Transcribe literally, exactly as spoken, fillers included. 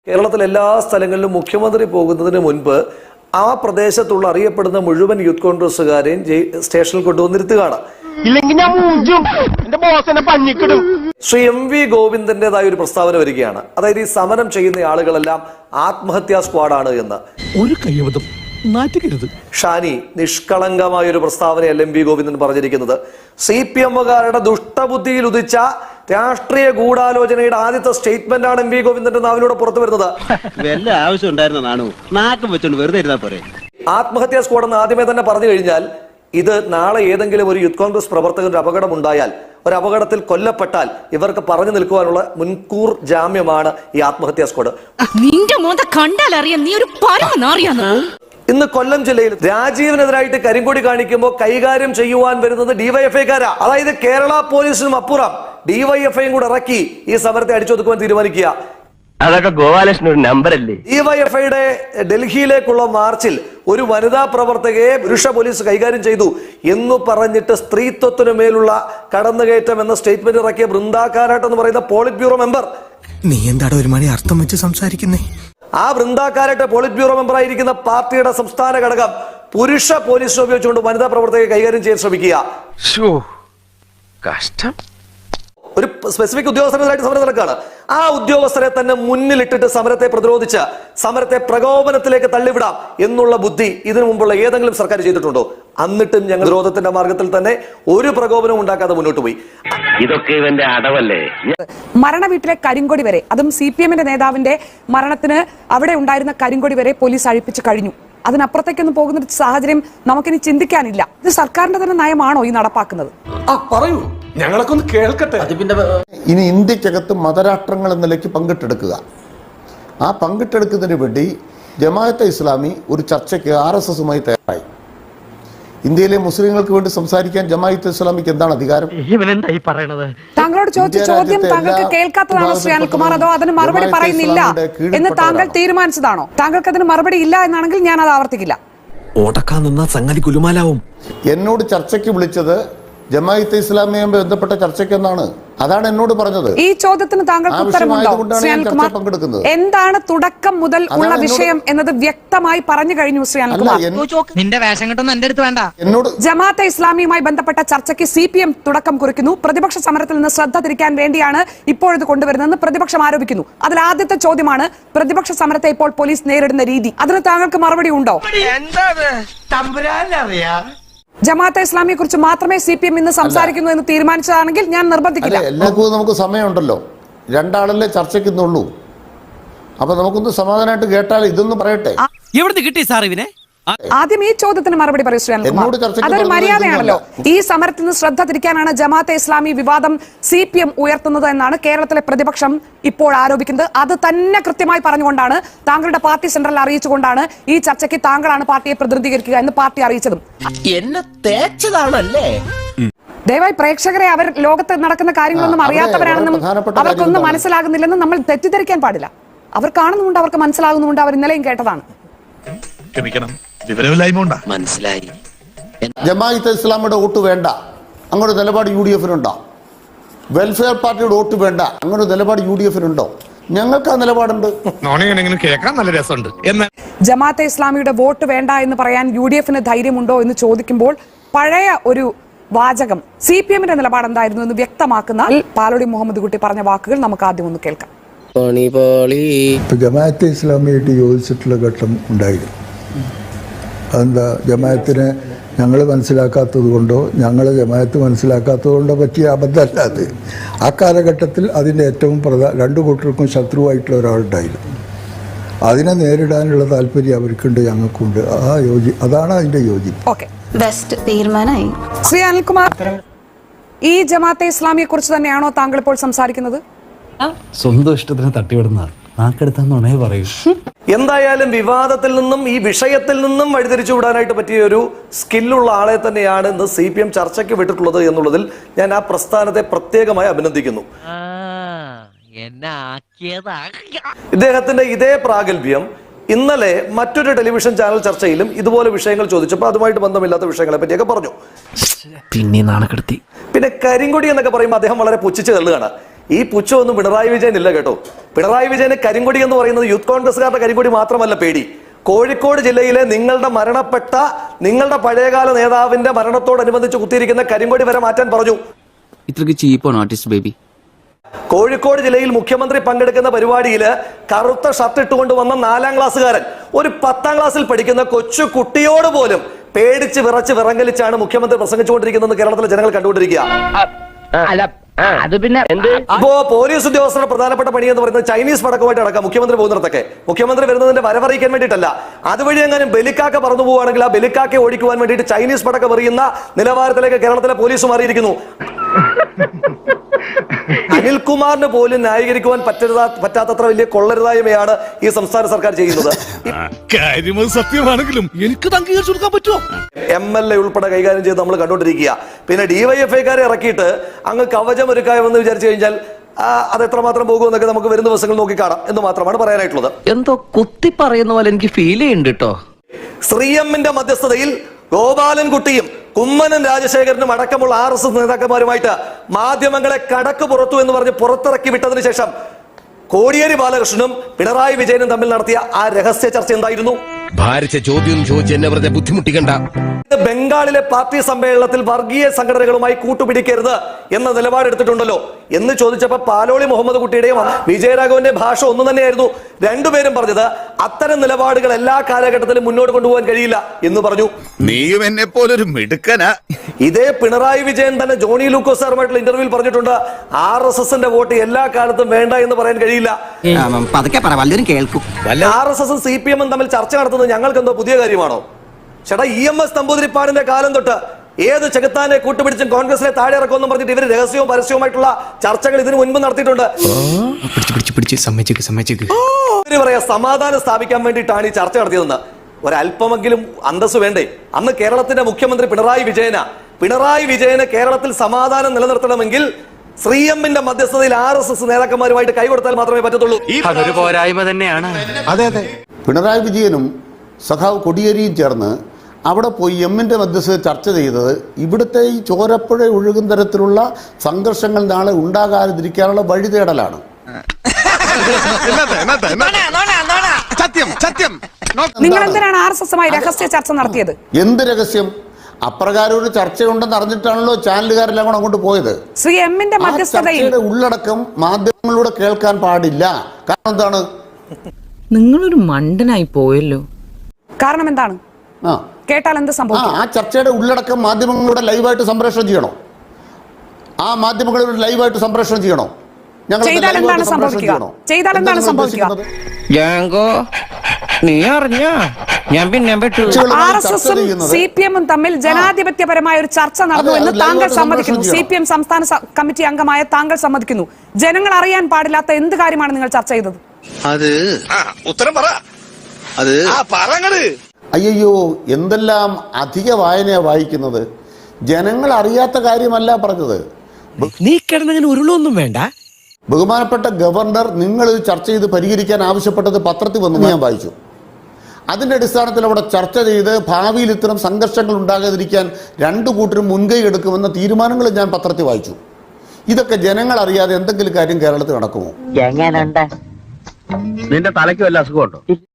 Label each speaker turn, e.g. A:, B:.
A: കേരളത്തിലെ എല്ലാ സ്ഥലങ്ങളിലും മുഖ്യമന്ത്രി പോകുന്നതിന് മുൻപ് ആ പ്രദേശത്തുള്ള അറിയപ്പെടുന്ന മുഴുവൻ യൂത്ത് കോൺഗ്രസുകാരെയും സ്റ്റേഷനിൽ കൊണ്ടുവന്നിരുത്തുകയാണ്. ശ്രീ എം വി ഗോവിന്ദന്റേതായ ഒരു പ്രസ്താവന വരികയാണ്. അതായത് ഈ സമരം ചെയ്യുന്ന ആളുകളെല്ലാം ആത്മഹത്യാ സ്ക്വാഡാണ് എന്ന്. ഒരു കയ്യബദ്ധം നാറ്റിക്കരുത്. ഷാനി, നിഷ്കളങ്കമായ ഒരു പ്രസ്താവനയല്ല എം വി ഗോവിന്ദൻ പറഞ്ഞിരിക്കുന്നത്. സി പി എമ്മുകാരുടെ ദുഷ്ടബുദ്ധിയിൽ ഉദിച്ച രാഷ്ട്രീയ ഗൂഢാലോചനയുടെ ആദ്യത്തെ സ്റ്റേറ്റ്മെന്റ് ആണ് എം വി ഗോവിന്ദന്റെ നാവിലൂടെ പുറത്തു വരുന്നത്.
B: വല്ല ആവശ്യം ഉണ്ടായിരുന്നതാണോ? നാക്കം വെച്ചോണ്ട് വെറുതെ ഇരുന്നാ പോരെ.
A: ആത്മഹത്യാ സ്ക്വാഡ് എന്ന് ആദ്യമേ തന്നെ പറഞ്ഞു കഴിഞ്ഞാൽ ഇത് നാളെ ഏതെങ്കിലും ഒരു യൂത്ത് കോൺഗ്രസ് പ്രവർത്തകന്റെ അപകടം ഉണ്ടായാൽ, ഒരു അപകടത്തിൽ കൊല്ലപ്പെട്ടാൽ ഇവർക്ക് പറഞ്ഞു നിൽക്കുവാനുള്ള മുൻകൂർ ജാമ്യമാണ് ഈ ആത്മഹത്യാ സ്ക്വാഡ്. ഇന്ന് കൊല്ലം ജില്ലയിൽ രാജീവിനെതിരായിട്ട് കരിങ്കൊടി കാണിക്കുമ്പോൾ കൈകാര്യം ചെയ്യുവാൻ വരുന്നത് ഡിവൈഎഫ്ഐക്കാരാ. അതായത് കേരള പോലീസിനും അപ്പുറം ഡിവൈഎഫ്ഐയും കൂടെ ഇറക്കി ഈ സമരത്തെ അടിച്ചൊതുക്കുവാൻ തീരുമാനിക്കുക.
C: അതൊക്കെ ഗോപാലകൃഷ്ണൻ ഒരു നമ്പറല്ലേ?
A: ഡിവൈഎഫ്ഐയുടെ ഡൽഹിയിലേക്കുള്ള മാർച്ചിൽ ഒരു വനിതാ പ്രവർത്തകയെ പുരുഷ പോലീസ് കൈകാര്യം ചെയ്തു എന്ന് പറഞ്ഞിട്ട് സ്ത്രീത്വത്തിനു മേലുള്ള കടന്നുകയറ്റം എന്ന സ്റ്റേറ്റ്മെന്റ് ഇറക്കിയ ബൃന്ദാ കാരാട്ട് എന്ന് പറയുന്ന പോളിറ്റ് ബ്യൂറോ മെമ്പർ.
D: നീ എന്താണ് ഒരു മണി അർത്ഥം വെച്ച് സംസാരിക്കുന്നേ?
A: ആ Brinda Karat polit bureau member ആയിരിക്കുന്ന പാർട്ടിയുടെ സംസ്ഥാന ഘടകം പുരുഷ പോലീസ് ഉപയോഗിച്ചുകൊണ്ട് വനിതാ പ്രവർത്തകയെ കൈകാര്യം ചെയ്യാൻ ശ്രമിക്കുക.
C: കഷ്ടം.
A: ഒരു സ്പെസിഫിക് ഉദ്യോഗസ്ഥരെതിരായിട്ട് സമരം നടക്കുകയാണ്. ആ ഉദ്യോഗസ്ഥരെ തന്നെ മുന്നിലിട്ടിട്ട് സമരത്തെ പ്രതിരോധിച്ച് സമരത്തെ പ്രകോപനത്തിലേക്ക് തള്ളിവിടാം എന്നുള്ള ബുദ്ധി ഇതിനു മുമ്പുള്ള ഏതെങ്കിലും സർക്കാർ ചെയ്തിട്ടുണ്ടോ? എന്നിട്ടും ഞങ്ങൾ വിരോധത്തിന്റെ മാർഗത്തിൽ തന്നെ ഒരു പ്രകോപനവും ഉണ്ടാക്കാതെ മുന്നോട്ട് പോയി.
C: ഇതൊക്കെ ഇവന്റെ അടവല്ലേ?
E: മരണ വീട്ടിലെ കരിങ്കൊടി വരെ, അതും സി പി എമ്മിന്റെ നേതാവിന്റെ മരണത്തിന് അവിടെ ഉണ്ടായിരുന്ന കരിങ്കൊടി വരെ പോലീസ് അഴിപ്പിച്ചു കഴിഞ്ഞു. അതിനപ്പുറത്തേക്കൊന്നും പോകുന്ന ഒരു സാഹചര്യം നമുക്കിനി ചിന്തിക്കാനില്ല. ഇത് സർക്കാരിന്റെ തന്നെ നയമാണോ ഈ നടപ്പാക്കുന്നത്?
F: പറയൂ, ഞങ്ങളൊക്കെ ഒന്ന് കേൾക്കട്ടെ.
G: ഇനി ഇന്ത്യക്കകത്ത് മതരാഷ്ട്രങ്ങൾ എന്ന നിലയ്ക്ക് പങ്കിട്ടെടുക്കുക. ആ പങ്കിട്ടെടുക്കുന്നതിന് വേണ്ടി ജമാഅത്തെ ഇസ്ലാമി ഒരു ചർച്ചയ്ക്ക് ആർ എസ് എസുമായി തയ്യാറായി. ഇന്ത്യയിലെ മുസ്ലിങ്ങൾക്ക് വേണ്ടി സംസാരിക്കാൻ ജമാഅത്തെ ഇസ്ലാമിക്ക് എന്താണ് അധികാരം?
E: താങ്കളോട് ചോദിച്ച ചോദ്യം താങ്കൾക്ക് കേൾക്കാത്തതാണോ ശ്രീ അനിൽകുമാർ? അതോ അതിന് മറുപടി പറയുന്നില്ല എന്ന് താങ്കൾ തീരുമാനിച്ചതാണോ? താങ്കൾക്ക് അതിന് മറുപടി ഇല്ല എന്നാണെങ്കിൽ ഞാൻ അത് ആവർത്തിക്കില്ല.
G: എന്നോട് ചർച്ചയ്ക്ക് വിളിച്ചത് ജമാഅത്തെ ഇസ്ലാമിയുമായി ബന്ധപ്പെട്ട ചർച്ചയ്ക്ക് എന്നാണ്. അതാണ് എന്നോട് പറഞ്ഞത്.
E: ഈ ചോദ്യത്തിന് താങ്കൾക്ക് ഉത്തരമുണ്ടോ ശ്രീ അനിൽകുമാർ? എന്താണ് തുടക്കം മുതൽ ഉള്ള വിഷയം എന്നത് വ്യക്തമായി പറഞ്ഞു കഴിഞ്ഞു ശ്രീ അനിൽകുമാർ.
H: നിന്റെ വേഷം കിട്ടുന്ന എന്റെ അടുത്ത് വേണ്ട.
G: എന്നോട്
E: ജമാഅത്തെ ഇസ്ലാമിയുമായി ബന്ധപ്പെട്ട ചർച്ചയ്ക്ക് സി പി എം തുടക്കം കുറിക്കുന്നു. പ്രതിപക്ഷ സമരത്തിൽ നിന്ന് ശ്രദ്ധ തിരിക്കാൻ വേണ്ടിയാണ് ഇപ്പോഴത് കൊണ്ടുവരുന്നതെന്ന് പ്രതിപക്ഷം ആരോപിക്കുന്നു. അതിൽ ആദ്യത്തെ ചോദ്യമാണ് പ്രതിപക്ഷ സമരത്തെ ഇപ്പോൾ പോലീസ് നേരിടുന്ന രീതി. അതിന് താങ്കൾക്ക് മറുപടി ഉണ്ടോ? ജമാഅത്തെ ഇസ്ലാമിയെ കുറിച്ച് മാത്രമേ സി പി എം ഇന്ന് സംസാരിക്കുന്നു എന്ന് തീരുമാനിച്ചതാണെങ്കിൽ ഞാൻ നിർബന്ധിക്കില്ല.
G: എല്ലാവർക്കും നമുക്ക് സമയമുണ്ടല്ലോ. രണ്ടാളല്ലേ ചർച്ചയ്ക്കുന്നുള്ളൂ. അപ്പൊ നമുക്കൊന്ന് സമാധാനമായിട്ട് കേട്ടാൽ ഇതൊന്നും പറയട്ടെ.
H: എവിടുന്ന് കിട്ടി സാർ ഇവനെ?
E: ആദ്യം ഈ ചോദ്യത്തിന് മറുപടി പറയൂ ശ്രീ അനിൽകുമാർ. അതൊരു മര്യാദയാണല്ലോ. ഈ സമരത്തിൽ നിന്ന് ശ്രദ്ധ തിരിക്കാനാണ് ജമാഅത്തെ ഇസ്ലാമി വിവാദം സി പി എം ഉയർത്തുന്നത് എന്നാണ് കേരളത്തിലെ പ്രതിപക്ഷം ഇപ്പോൾ ആരോപിക്കുന്നത്. അത് തന്നെ കൃത്യമായി പറഞ്ഞുകൊണ്ടാണ്, താങ്കളുടെ പാർട്ടി സെൻട്രൽ അറിയിച്ചുകൊണ്ടാണ് ഈ ചർച്ചയ്ക്ക് താങ്കളാണ് പാർട്ടിയെ പ്രതിനിധീകരിക്കുക എന്ന് പാർട്ടി അറിയിച്ചതും.
H: എന്നെ തേച്ചതാണല്ലേ?
E: ദയവായി പ്രേക്ഷകരെ അവർ ലോകത്ത് നടക്കുന്ന കാര്യങ്ങളൊന്നും അറിയാത്തവരാണെന്നും അവർക്കൊന്നും മനസ്സിലാകുന്നില്ലെന്നും നമ്മൾ തെറ്റിദ്ധരിക്കാൻ പാടില്ല. അവർ കാണുന്നുണ്ട്, അവർക്ക് മനസ്സിലാകുന്നുണ്ട്. അവർ ഇന്നലെയും കേട്ടതാണ്.
H: മനസ്സിലായി.
G: ജമാഅത്തെ ഇസ്ലാമിയുടെ വോട്ട് വേണ്ട, അങ്ങനെ നിലപാട് യു ഡി എഫിനുണ്ടോ? വെൽഫെയർ പാർട്ടിയുടെ വോട്ട് വേണ്ട, അങ്ങനെ നിലപാട് യു ഡി എഫിനുണ്ടോ? ഞങ്ങൾക്ക് ആ നിലപാടുണ്ട്.
E: ജമാഅത്തെ ഇസ്ലാമിയുടെ വോട്ട് വേണ്ട എന്ന് പറയാൻ യു ഡി എഫിന് ധൈര്യമുണ്ടോ എന്ന് ചോദിക്കുമ്പോൾ പഴയ ഒരു വാചകം സി പി എമ്മിന്റെ നിലപാട് എന്തായിരുന്നു എന്ന് വ്യക്തമാക്കുന്ന പാലോടി മുഹമ്മദ് കുട്ടി പറഞ്ഞ വാക്കുകൾ നമുക്ക് ആദ്യം ഒന്ന് കേൾക്കാം.
I: ജമാഅത്തെ ഇസ്ലാമിയായിട്ട് യോജിച്ചിട്ടുള്ള ഘട്ടം ഉണ്ടായിരുന്നു. അതെന്താ? ജമാഅത്തിനെ ഞങ്ങൾ മനസ്സിലാക്കാത്തത് കൊണ്ടോ ഞങ്ങൾ ജമാഅത്ത് മനസ്സിലാക്കാത്തത് കൊണ്ടോ പറ്റിയ അബദ്ധമല്ല അത്. ആ കാലഘട്ടത്തിൽ അതിൻ്റെ ഏറ്റവും പ്രധാന രണ്ടു കൂട്ടർക്കും ശത്രുവായിട്ടുള്ള ഒരാളുണ്ടായിരുന്നു. അതിനെ നേരിടാനുള്ള താല്പര്യം അവർക്കുണ്ട്, ഞങ്ങൾക്കുണ്ട്. ആ യോജി അതാണ് അതിൻ്റെ യോജിപ്പ്.
E: തീരുമാനമായി. ശ്രീ അനിൽകുമാർ, ഈ ജമാഅത്തെ ഇസ്ലാമിയെ കുറിച്ച് തന്നെയാണോ താങ്കൾ ഇപ്പോൾ സംസാരിക്കുന്നത്?
J: സ്വന്തം ഇഷ്ടത്തിന് തട്ടിവിടുന്ന നാക്കെടുത്താന്നേ പറയൂ.
A: എന്തായാലും വിവാദത്തിൽ നിന്നും ഈ വിഷയത്തിൽ നിന്നും വഴിതിരിച്ചു വിടാനായിട്ട് പറ്റിയ ഒരു സ്കില്ലുള്ള ആളെ തന്നെയാണ് ഇന്ന് സി പി എം ചർച്ചയ്ക്ക് വിട്ടിട്ടുള്ളത് എന്നുള്ളതിൽ ഞാൻ ആ പ്രസ്ഥാനത്തെ പ്രത്യേകമായി അഭിനന്ദിക്കുന്നു. ഇദ്ദേഹത്തിന്റെ ഇതേ പ്രാഗൽഭ്യം ഇന്നലെ മറ്റൊരു ടെലിവിഷൻ ചാനൽ ചർച്ചയിലും ഇതുപോലെ വിഷയങ്ങൾ ചോദിച്ചപ്പോൾ അതുമായിട്ട് ബന്ധമില്ലാത്ത വിഷയങ്ങളെ പറ്റിയൊക്കെ പറഞ്ഞു.
J: പിന്നെ നാണക്കെടുത്തി.
A: പിന്നെ കരിങ്കൊടി എന്നൊക്കെ പറയുമ്പോൾ അദ്ദേഹം വളരെ പുച്ഛിച്ച് തള്ളുകയാണ്. ഈ പുച്ഛമൊന്നും പിണറായി വിജയൻ ഇല്ല കേട്ടോ. പിണറായി വിജയന് കരിങ്കൊടി എന്ന് പറയുന്നത് യൂത്ത് കോൺഗ്രസ്സുകാരുടെ കരിങ്കൊടി മാത്രമല്ല പേടി. കോഴിക്കോട് ജില്ലയിലെ നിങ്ങളുടെ മരണപ്പെട്ട നിങ്ങളുടെ പഴയകാല നേതാവിന്റെ മരണത്തോടനുബന്ധിച്ച് കുത്തിയിരിക്കുന്ന കരിങ്കൊടി വരെ മാറ്റാൻ പറഞ്ഞു.
H: ഇത്രക്ക് ചീപ്പാണ് ആർട്ടിസ്റ്റ് ബേബി.
A: കോഴിക്കോട് ജില്ലയിൽ മുഖ്യമന്ത്രി പങ്കെടുക്കുന്ന പരിപാടിയിൽ കറുത്ത ഷർട്ട് ഇട്ടുകൊണ്ട് വന്ന നാലാം ക്ലാസ്സുകാരൻ ഒരു പത്താം ക്ലാസ്സിൽ പഠിക്കുന്ന കൊച്ചു കുട്ടിയോട് പോലും പേടിച്ച് വിറച്ച് വിറങ്ങലിച്ചാണ് മുഖ്യമന്ത്രി പ്രസംഗിച്ചുകൊണ്ടിരിക്കുന്നത് കേരളത്തിലെ ജനങ്ങൾ കണ്ടുകൊണ്ടിരിക്കുക.
C: അത് പിന്നെ എന്ത്
A: ഇപ്പോ പോലീസ് ഉദ്യോഗസ്ഥരുടെ പ്രധാനപ്പെട്ട പണി എന്ന് പറയുന്നത് ചൈനീസ് പടക്കമായിട്ട് അടക്കാം മുഖ്യമന്ത്രി പോകുന്നിടത്തൊക്കെ. മുഖ്യമന്ത്രി വരുന്നതിന്റെ വരവറിയിക്കാൻ വേണ്ടിയിട്ടല്ല, അതുവഴി എങ്ങാനും ബലിക്കാക്ക പറന്നു പോവുകയാണെങ്കിൽ ആ ബലിക്കാക്കെ ഓടിക്കുവാൻ വേണ്ടിയിട്ട് ചൈനീസ് പടക്കം എറിയുന്ന നിലവാരത്തിലേക്ക് കേരളത്തിലെ പോലീസ് മാറിയിരിക്കുന്നു. അനിൽകുമാറിന് പോലും ന്യായീകരിക്കുവാൻ പറ്റരുതാ പറ്റാത്തത്ര വലിയ കൊള്ളരുതായ്മയാണ് ഈ സംസ്ഥാന സർക്കാർ ചെയ്യുന്നത്.
F: സത്യമാണെങ്കിലും എനിക്ക് അംഗീകരിച്ചു കൊടുക്കാൻ പറ്റുമോ?
A: എം എൽ എ ഉൾപ്പെടെ കൈകാര്യം ചെയ്ത് നമ്മൾ കണ്ടുകൊണ്ടിരിക്കുക. പിന്നെ ഡിവൈഎഫ്ഐക്കാരെ ഇറക്കിയിട്ട് അങ്ങ് കവചം ഒരുക്കാമെന്ന് വിചാരിച്ചു കഴിഞ്ഞാൽ അത് എത്രമാത്രം പോകുമെന്നൊക്കെ നമുക്ക് വരുന്ന ദിവസങ്ങൾ നോക്കിക്കാണാം എന്ന് മാത്രമാണ് പറയാനായിട്ടുള്ളത്.
H: എന്തോ കുത്തി പറയുന്ന പോലെ എനിക്ക് ഫീൽ ചെയ്യുന്നുണ്ട് കേട്ടോ.
A: ശ്രീ എമ്മിന്റെ മധ്യസ്ഥതയിൽ ഗോപാലൻകുട്ടിയും കുമ്മനം രാജശേഖരനും അടക്കമുള്ള ആർ എസ് എസ് നേതാക്കന്മാരുമായിട്ട് മാധ്യമങ്ങളെ കടക്ക് പുറത്തു എന്ന് പറഞ്ഞ് പുറത്തിറക്കി വിട്ടതിന് ശേഷം കോടിയേരി ബാലകൃഷ്ണനും പിണറായി വിജയനും തമ്മിൽ നടത്തിയ ആ രഹസ്യ ചർച്ച എന്തായിരുന്നു?
D: ഭാരിച്ച ചോദ്യം ചോദിച്ച് എന്നെ വെറുതെ ബുദ്ധിമുട്ടിക്കണ്ട.
A: ബംഗാളിലെ പാർട്ടി സമ്മേളനത്തിൽ വർഗീയ സംഘടനകളുമായി കൂട്ടുപിടിക്കരുത് എന്ന നിലപാടെടുത്തിട്ടുണ്ടല്ലോ എന്ന് ചോദിച്ചപ്പോൾ പാലോളി മുഹമ്മദ് കുട്ടിയുടെയും വിജയരാഘവന്റെ ഭാഷ ഒന്നു തന്നെയായിരുന്നു. രണ്ടുപേരും പറഞ്ഞത് അത്തരം നിലപാടുകൾ എല്ലാ കാലഘട്ടത്തിലും മുന്നോട്ട് കൊണ്ടുപോകാൻ കഴിയില്ല എന്ന് പറഞ്ഞു.
D: നീയും എന്നെ പോലൊരു മിടുക്കനാ.
A: ഇതേ പിണറായി വിജയൻ തന്നെ ജോണി ലൂക്കോസ് സാറുമായിട്ടുള്ള ഇന്റർവ്യൂവിൽ പറഞ്ഞിട്ടുണ്ട്, ആർ എസ് എസിന്റെ വോട്ട് എല്ലാ കാലത്തും വേണ്ട എന്ന് പറയാൻ കഴിയില്ല. ആർ എസ് എസും സി പി എമ്മും തമ്മിൽ ചർച്ച നടത്തുന്നത് ഞങ്ങൾക്ക് എന്തോ പുതിയ കാര്യമാണോ? ചേട്ടാ, ഇ എം എസ് നമ്പൂതിരിപ്പാടിന്റെ കാലം തൊട്ട് ഏത് ചെകുത്താനെ കൂട്ടുപിടിച്ചും കോൺഗ്രസിലെ താഴെ ഇറക്കുമെന്നും പറഞ്ഞിട്ട് ഇവർ രഹസ്യവും പരസ്യവുമായിട്ടുള്ള ചർച്ചകൾ ഇതിനു മുൻപ് നടത്തിയിട്ടുണ്ട്. ഇവര് പറയാ സമാധാനം സ്ഥാപിക്കാൻ വേണ്ടിയിട്ടാണ് ഈ ചർച്ച നടത്തിയതെന്ന്. ഒരല്പമെങ്കിലും അന്തസ് വേണ്ടേ? അന്ന് കേരളത്തിന്റെ മുഖ്യമന്ത്രി പിണറായി വിജയന പിണറായി വിജയന് കേരളത്തിൽ സമാധാനം നിലനിർത്തണമെങ്കിൽ ശ്രീ എമ്മിന്റെ മധ്യസ്ഥതയിൽ ആർ എസ് എസ് നേതാക്കന്മാരുമായിട്ട് കൈകൊടുത്താൽ മാത്രമേ പറ്റത്തുള്ളൂ.
H: അതൊരു പോരായ്മ തന്നെയാണ്.
G: അതെ അതെ പിണറായി വിജയനും സഖാവ് കൊടിയേരിയും ചേർന്ന് അവിടെ പോയി എമ്മിന്റെ മധ്യസ്ഥത ചർച്ച ചെയ്തത് ഇവിടുത്തെ ഈ ചോരപ്പുഴ ഒഴുകും തരത്തിലുള്ള സംഘർഷങ്ങൾ നാളെ ഉണ്ടാകാതിരിക്കാനുള്ള വഴി തേടലാണ്.
D: സത്യം സത്യം.
E: നിങ്ങൾ എന്തിനാണ് ആർ എസ് എസുമായി രഹസ്യ ചർച്ച നടത്തിയത്?
G: എന്ത് രഹസ്യം? അപ്രകാരം ഒരു ചർച്ചയുണ്ടെന്ന് അറിഞ്ഞിട്ടാണല്ലോ ചാനലുകാരെല്ലാം കൂടെ അങ്ങോട്ട് പോയത്.
E: ശ്രീ എമ്മിന്റെ മധ്യസ്ഥതയിൽ
G: ഉള്ളടക്കം മാധ്യമങ്ങളിലൂടെ കേൾക്കാൻ പാടില്ല. കാരണം എന്താണ്?
K: നിങ്ങളൊരു മണ്ടനായി പോയല്ലോ.
E: കാരണം എന്താണ്?
G: ആ
E: കേട്ടാൽ എന്ത് സംഭവിക്കും?
G: ആ ചർച്ചയുടെ ഉള്ളടക്കം മാധ്യമങ്ങളിലൂടെ ലൈവായിട്ട് സംപ്രേഷണം ചെയ്യണോ? ആ മാധ്യമങ്ങളിലൂടെ ലൈവായിട്ട് സംപ്രേഷണം ചെയ്യണോ?
E: ചെയ്താൽ എന്താണ് സംഭവിക്കുക? ചെയ്താൽ എന്താണ് സംഭവിക്കുക?
H: നീ അറിഞ്ഞ ഞാൻ പിന്നെ
E: ആർ എസ് എസും സി പി എമ്മും തമ്മിൽ ജനാധിപത്യപരമായ ഒരു ചർച്ച നടന്നു എന്ന് താങ്കൾ സമ്മതിക്കുന്നു. സി പി എം സംസ്ഥാന കമ്മിറ്റി അംഗമായ താങ്കൾ സമ്മതിക്കുന്നു. ജനങ്ങൾ അറിയാൻ പാടില്ലാത്ത എന്ത് കാര്യമാണ് നിങ്ങൾ ചർച്ച ചെയ്തത്?
D: അത് ഉത്തരം പറ. അത് പറങ്ങട്.
G: അയ്യോ, എന്തെല്ലാം അധിക വായനയാ വായിക്കുന്നത്. ജനങ്ങൾ അറിയാത്ത കാര്യമല്ല പറഞ്ഞത്.
H: നീ കിടന്നങ്ങനെ ഉരുളൊന്നും വേണ്ട.
G: ബഹുമാനപ്പെട്ട ഗവർണർ നിങ്ങൾ ചർച്ച ചെയ്ത് പരിഹരിക്കാൻ ആവശ്യപ്പെട്ടത് പത്രത്തിൽ വന്നു ഞാൻ വായിച്ചു. അതിന്റെ അടിസ്ഥാനത്തിൽ അവിടെ ചർച്ച ചെയ്ത് ഭാവിയിൽ ഇത്തരം സംഘർഷങ്ങൾ ഉണ്ടാകാതിരിക്കാൻ രണ്ടു കൂട്ടരും മുൻകൈ എടുക്കുമെന്ന തീരുമാനങ്ങൾ ഞാൻ പത്രത്തിൽ വായിച്ചു. ഇതൊക്കെ ജനങ്ങൾ അറിയാതെ എന്തെങ്കിലും കാര്യം കേരളത്തിൽ നടക്കുമോ?
C: നിന്റെ തലയ്ക്ക് വല്ല അസുഖമുണ്ടോ?